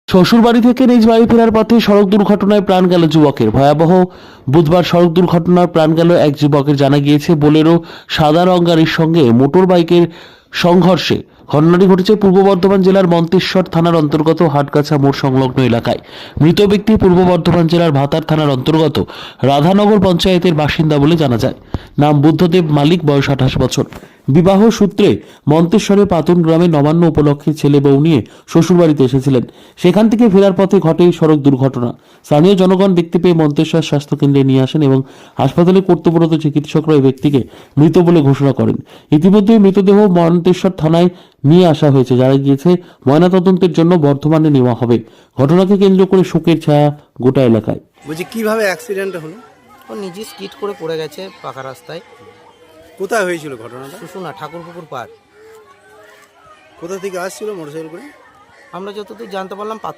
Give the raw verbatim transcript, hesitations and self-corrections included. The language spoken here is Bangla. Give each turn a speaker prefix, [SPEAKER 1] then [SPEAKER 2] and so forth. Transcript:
[SPEAKER 1] শ্বশুরবাড়ি থেকে নিজ বাড়ি ফেরার পথে সড়ক দুর্ঘটনায় প্রাণ গেল যুবকের। ভয়াবহ বুধবার সড়ক দুর্ঘটনার প্রাণ গেল এক যুবকের। জানা গিয়েছে বোলেরো সাদা রং গাড়ির সঙ্গে মোটর বাইকের সংঘর্ষে ঘটনাটি ঘটেছে পূর্ব বর্ধমান জেলার মন্তেশ্বর থানার অন্তর্গত হাটগাছা মোড় সংলগ্ন এলাকায়। মৃত ব্যক্তি পূর্ব বর্ধমান জেলার ভাতার থানার অন্তর্গত রাধানগর পঞ্চায়েতের বাসিন্দা বলে জানা যায়। নাম বুদ্ধদেব মালিক, বয়স আঠাশ বছর। বিবাহ সূত্রে মন্তেশ্বরের পাতুন গ্রামে নবান্ন উপলক্ষে ছেলে বউ নিয়ে শ্বশুরবাড়িতে এসেছিলেন। সেখান থেকে ফেরার পথে ঘটে সড়ক দুর্ঘটনা। স্থানীয় জনগণ দেখতে পেয়ে মন্তেশ্বর স্বাস্থ্য কেন্দ্রে নিয়ে আসেন এবং হাসপাতালে কর্তব্যরত চিকিৎসকরা এই ব্যক্তিকে মৃত বলে ঘোষণা করেন। ইতিমধ্যে মৃতদেহ মন্তেশ্বর থানায় নিয়ে আসা হয়েছে। জানা গিয়েছে ময়নাতদন্তের জন্য বর্ধমানে নেওয়া হবে। ঘটনাকে কেন্দ্র করে শোকের ছায়া গোটা এলাকায়।
[SPEAKER 2] বলছি কিভাবে অ্যাক্সিডেন্ট হলো?
[SPEAKER 3] ও নিজে স্কিড করে পড়ে গেছে পাকা রাস্তায়।
[SPEAKER 2] কোথায় হয়েছিল ঘটনাটা?
[SPEAKER 3] শুশুনা ঠাকুরপুকুর পার।
[SPEAKER 2] কোথা থেকে আসছিল মোটরসাইকেল করে?
[SPEAKER 3] আমরা যতদূর জানতে পারলাম